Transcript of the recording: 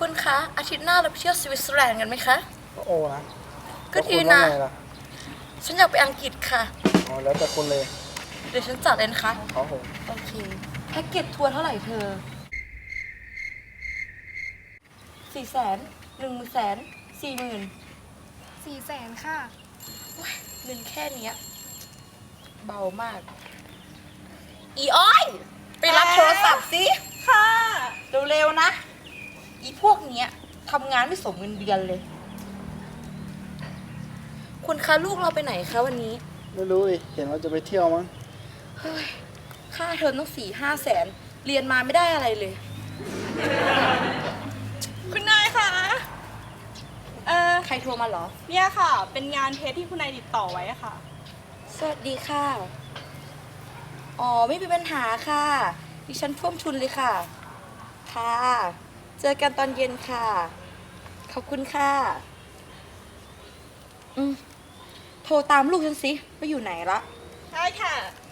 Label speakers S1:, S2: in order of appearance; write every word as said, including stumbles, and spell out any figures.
S1: คุณคะอาทิตย์หน้าเราไปเที่ยวสวิตเซอร์แลนด์กันไหมคะ
S2: โอ้นะ
S1: ก็ดีนะ
S2: แล้วคุณว่าไงล่ะ
S1: ฉันอยากไปอังกฤษค่ะ
S2: อ๋อแล้วแต่คนเลย
S1: เดี๋ยวฉันจัดเลยนะคะ
S2: ครับผม
S1: โอเคแพ็กเกจทัวร์เท่าไหร่เธอสี่แสนหนึ่งแสนสี่หมื่น
S3: สี่แสนค่ะ
S1: เงินแค่เนี้ยเบามาก อีอ้อยไปรับโทรศัพท์สิค่ะเร็วๆนะ อีพวกเนี้ยทำงานไม่สมเงินเดือนเลย คุณคะลูกเราไปไหนคะวันนี้
S2: ไม่รู้ดิเห็นว่าจะไปเที่ยวมั้ง
S1: เฮ้ย ค่าเทอมต้องสี่ห้าแสน เรียนมาไม่ได้อะไรเลย
S3: คุณนายคะเออ
S1: ใครโทรมาเหรอ
S3: เนี่ยค่ะ เป็นงานเทสที่คุณนายติดต่อไว้อะค่ะ
S1: สวัสดีค่ะ อ๋อ ไม่มีปัญหาค่ะ ดิฉันท่วมทุนเลยค่ะ ค่ะ เจอกันตอนเย็นค่ะ ขอบคุณค่ะ อืม โทรตามลูกฉันสิว่าอยู่ไหนละ
S3: ใช่ค่ะ